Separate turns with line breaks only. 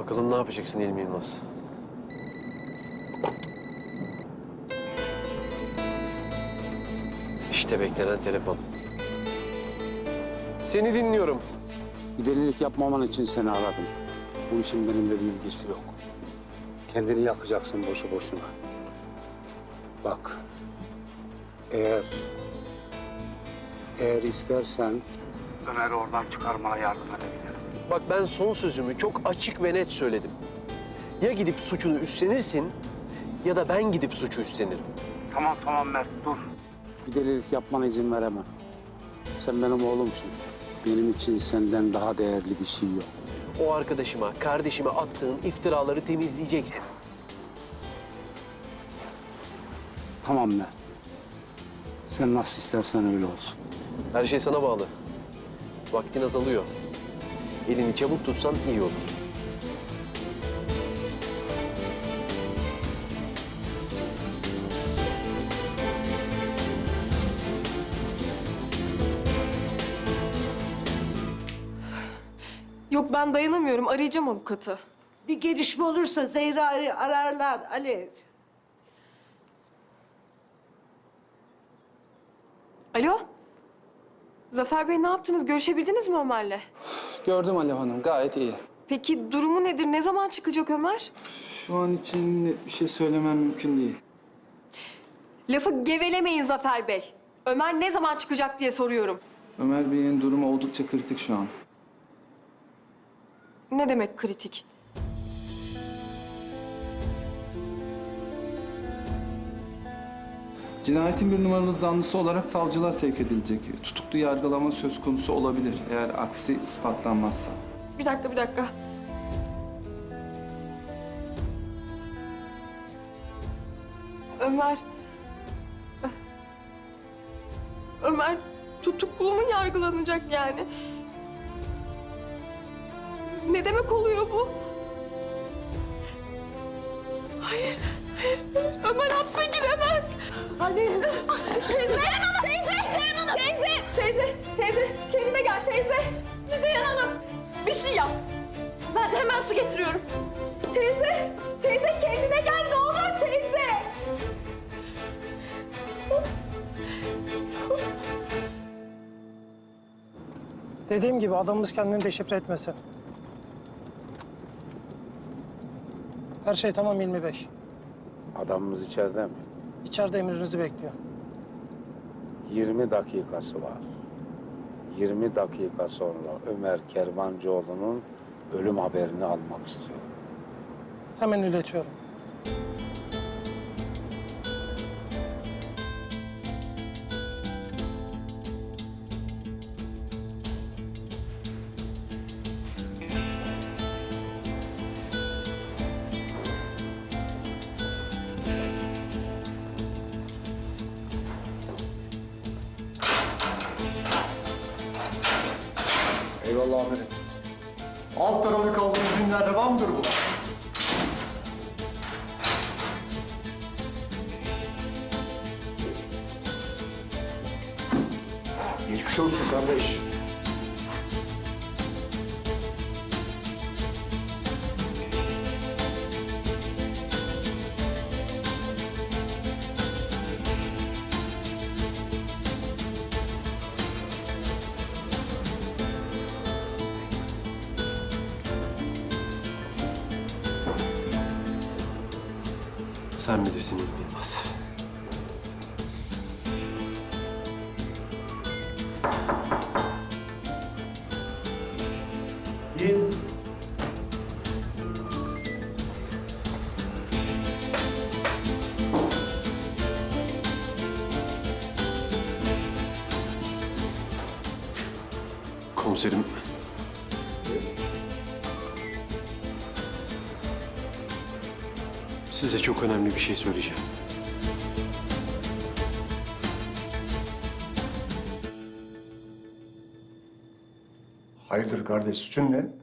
Bakalım ne yapacaksın Hilmi Yılmaz? İşte beklenen telefon. Seni dinliyorum.
Bir delilik yapmaman için seni aradım. Bu işin benimle bir ilgisi yok. Kendini yakacaksın boşu boşuna. Bak, eğer istersen Ömer'i oradan çıkarmana yardım edebilirim.
Bak ben son sözümü çok açık ve net söyledim. Ya gidip suçunu üstlenirsin ya da ben gidip suçu üstlenirim.
Tamam Mert, dur. Bir delilik yapmana izin veremem. Sen benim oğlumsun. Benim için senden daha değerli bir şey yok.
O arkadaşıma, kardeşime attığın iftiraları temizleyeceksin.
Tamam Mert. Sen nasıl istersen öyle olsun.
Her şey sana bağlı. Vaktin azalıyor. Elini çabuk tutsan iyi olur.
Yok ben dayanamıyorum. Arayacağım avukatı.
Bir gelişme olursa Zehra'yı ararlar Alev.
Alo? Zafer Bey ne yaptınız? Görüşebildiniz mi Ömer'le?
Gördüm Alev Hanım, gayet iyi.
Peki durumu nedir? Ne zaman çıkacak Ömer?
Şu an için net bir şey söylemem mümkün değil.
Lafı gevelemeyin Zafer Bey. Ömer ne zaman çıkacak diye soruyorum.
Ömer Bey'in durumu oldukça kritik şu an.
Ne demek kritik?
Cinayetin bir numaralı zanlısı olarak savcılığa sevk edilecek. Tutuklu yargılama söz konusu olabilir eğer aksi ispatlanmazsa.
Bir dakika. Ömer... Ömer tutuklu mu yargılanacak yani? Ne demek oluyor bu? Hayır. Ömer hapse giremez.
Alev.
Teyze, kendine gel teyze. Müzeyyen Hanım, bir şey yap. Ben hemen su getiriyorum. Teyze kendine gel ne olur teyze.
Dediğim gibi adamımız kendini deşifre etmesin. Her şey tamam Hilmi Bey.
Adamımız içeride mi?
İçeride emrinizi bekliyor.
20 dakikası var. 20 dakika sonra Ömer Kervancıoğlu'nun ölüm haberini almak istiyor.
Hemen iletiyorum.
Eyvallah amirim. Alt tarafı kaldığımız günler devamdır bu. Geçmiş olsun kardeş.
Sen bilirsin Hilmi Yılmaz.
İn.
Komiserim. Size çok önemli bir şey söyleyeceğim.
Hayırdır kardeş, suçun ne?